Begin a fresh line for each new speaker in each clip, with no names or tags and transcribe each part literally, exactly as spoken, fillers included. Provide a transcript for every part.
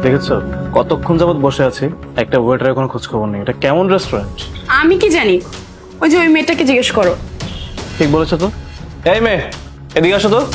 দেখেছো কতক্ষণ যাবত বসে আছি, একটা ওয়েটারের কোনো খোঁজ খবর নেই। এটা কেমন রেস্টুরেন্ট?
আমি কি জানি, ওই যে ওই মেয়েটাকে জিজ্ঞেস করো।
ঠিক বলেছো তো। এই মেয়ে, এদিকে আসো তো।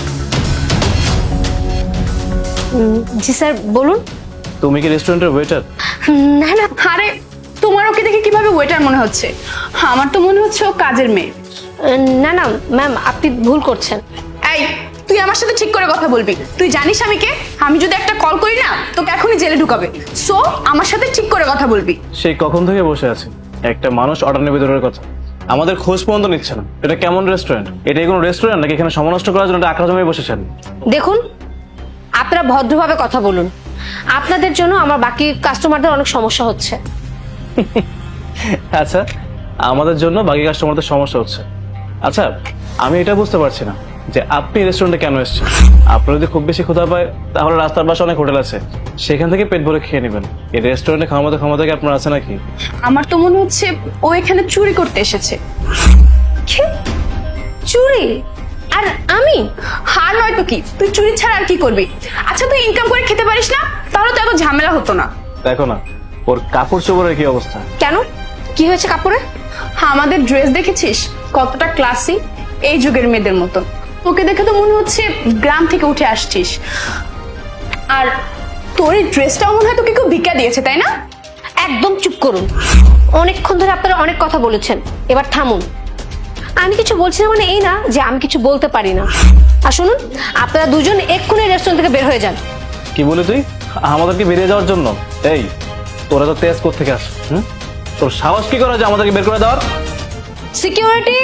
জি স্যার, বলুন।
তুমি কি রেস্টুরেন্টের ওয়েটার?
না না, আরে তোমার ওকে দেখে কিভাবে ওয়েটার মনে হচ্ছে? আমার তো মনে হচ্ছে ও কাজের মেয়ে।
না না ম্যাম, আপনি ভুল করছেন।
এই, তুই আমার সাথে ঠিক করে কথা বলবি। তুই জানিস আমি কে? আমি যদি একটা কল করি না, তোকে এখনই জেলে ঢুকাবে। সো আমার সাথে ঠিক করে কথা বলবি।
সেই কখন থেকে বসে আছে, একটা মানুষ অর্ডার নেবে দূরের কথা, আমাদের খোঁজ পর্যন্ত নিচ্ছে না। এটা কেমন রেস্টুরেন্ট? এটা কোনো রেস্টুরেন্ট নাকি এখানে সময় নষ্ট করার জন্য একটা আঁকড়া জমিয়ে বসেছেন?
দেখুন, আপনারা ভদ্রভাবে কথা বলুন। আপনাদের জন্য আমার বাকি কাস্টমারদের অনেক সমস্যা হচ্ছে।
আচ্ছা, আমাদের জন্য বাকি কাস্টমারদের সমস্যা হচ্ছে। আচ্ছা, আমি এটা বুঝতে পারছি না যে আপনি রেস্টুরেন্টে কেন এসেছেন। আপনার যদি খুব বেশি ক্ষুধা পায় তাহলে রাস্তার পাশে অনেক হোটেল আছে, সেখান থেকে পেট ভরে খেয়ে নেবেন। এই রেস্টুরেন্টে খাওয়ার মতো ক্ষমতা কি আপনার আছে নাকি?
আমার তো মনে হচ্ছে ও এখানে চুরি করতে এসেছে।
কি? চুরি? আর আমি?
হার নয় তো কি, তুই চুরি ছাড়া আর কি করবি? আচ্ছা, তুই ইনকাম করে খেতে পারিস না, তাহলে তো এত ঝামেলা হতো না।
দেখো না ওর কাপড় চোপড়ের কি অবস্থা।
কেন, কি হয়েছে কাপড়ে?
আমাদের ড্রেস দেখেছিস কতটা ক্লাসি, এই যুগের মেয়েদের মতন। তোকে দেখে তো মনে হচ্ছে গ্রাম থেকে উঠে আসছিস। আর তোর এই ড্রেসটাও মনে হয় তোকে কেউ ভিক্ষা দিয়েছে, তাই না?
একদম চুপ করুন। অনেকক্ষণ ধরে আপনারা অনেক কথা বলেছেন, এবার থামুন। আমি কিছু বলছি না মানে এই না যে আমি কিছু বলতে পারি না। আর শুনুন, আপনারা দুজন এক্ষুনি রেস্টুরেন্ট থেকে বের হয়ে যান।
কি বলি তুই আমাদেরকে বেরিয়ে যাওয়ার জন্য? এই, তোরা তো তেজ কোথা থেকে আস? হুম, তোর সাহস কি করে যে আমাদেরকে বের করে দেওয়ার?
সিকিউরিটি!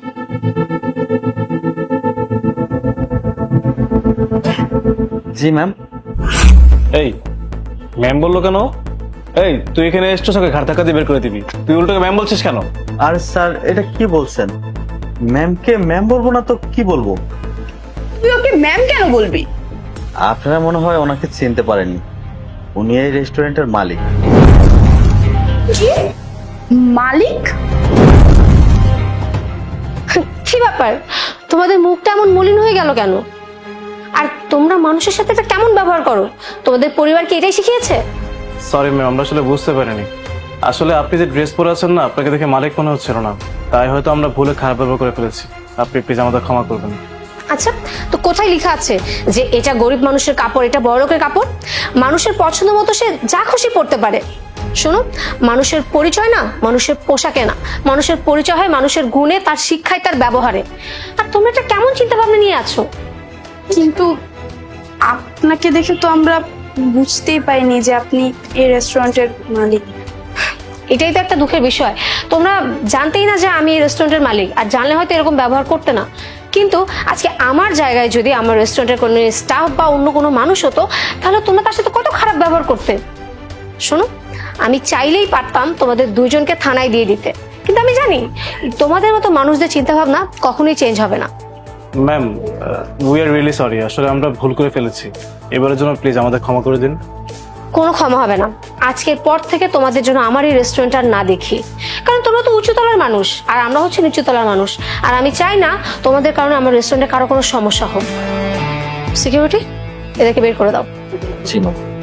জি ম্যাম।
এই, ম্যাম বললো কেন? এই, তুই এখানে এসছিস, ওকে ঘাড় ধাক্কা দিয়ে বের করে দিবি, তুই উল্টোকে ম্যাম বলছিস কেন?
আর স্যার এটা কি বলছেন? ম্যামকে ম্যাম বলবো না তো কি বলবো?
তুই ওকে ম্যাম কেন বলবি?
আপনারা মনে হয় ওনাকে চিনতে পারেননি, উনি এই রেস্টুরেন্টের মালিক।
কি? মালিক?
কি ব্যাপার, তোমাদের মুখটা এমন মলিন হয়ে গেল কেন? আর তোমরা মানুষের সাথে এটা কেমন ব্যবহার করো? তোমাদের পরিবার কি এটাই শিখিয়েছে?
সরি ম্যাম, আমরা আসলে বুঝতে পারিনি। আসলে আপনি যে ড্রেস পরে আছেন না, আপনাকে দেখে মালিক মনে হচ্ছিল না, তাই হয়তো আমরা ভুলে খারাপ ব্যবহার করে ফেলেছি। আপনি প্লিজ আমাদের ক্ষমা করবেন।
আচ্ছা, তো কোথায় লেখা আছে যে এটা গরিব মানুষের কাপড়, এটা বড় লোকের কাপড়? মানুষের পছন্দ মতো সে যা খুশি পড়তে পারে। শোনো, মানুষের পরিচয় না মানুষের পোশাকে না, মানুষের পরিচয় হয় মানুষের গুণে, তার শিক্ষায়, তার ব্যবহারে। আর তোমরা এটা কেমন চিন্তা ভাবনা নিয়ে আছো?
কিন্তু আপনাকে দেখে তো আমরা বুঝতেই পাইনি যে আপনি এই রেস্টুরেন্টের মালিক।
এটাই তো একটা দুঃখের বিষয়, তোমরা জানতেই না যে আমি এই রেস্টুরেন্টের মালিক। আর জানলে হয়তো এরকম ব্যবহার করতে না। কিন্তু আজকে আমার জায়গায় যদি আমার রেস্টুরেন্টের কোনো স্টাফ বা অন্য কোনো মানুষ হতো, তাহলে তোমরা তার সাথে কত খারাপ ব্যবহার করতে। শোনো, আমি চাইলেই পারতাম তোমাদের দুইজনকে থানায় দিয়ে দিতে, কিন্তু আমি জানি তোমাদের মতো মানুষদের চিন্তা ভাবনা কখনোই চেঞ্জ হবে না।
Ma'am, we are really sorry, আসলে আমরা ভুল করে ফেলেছি। এবারের জন্য প্লিজ আমাদের ক্ষমা করে দিন।
কোনো ক্ষমা হবে না। আজকের পর থেকে তোমাদের জন্য আমার এই রেস্টুরেন্ট আর না দেখি, কারণ তোমরা তো উঁচুতলার মানুষ আর আমরা হচ্ছে নিচুতলার মানুষ। আর আমি চাই না তোমাদের কারণে আমার রেস্টুরেন্টে কারো কোনো সমস্যা হোক। সিকিউরিটি, এদেরকে বের করে দাও।
জি ম্যাম।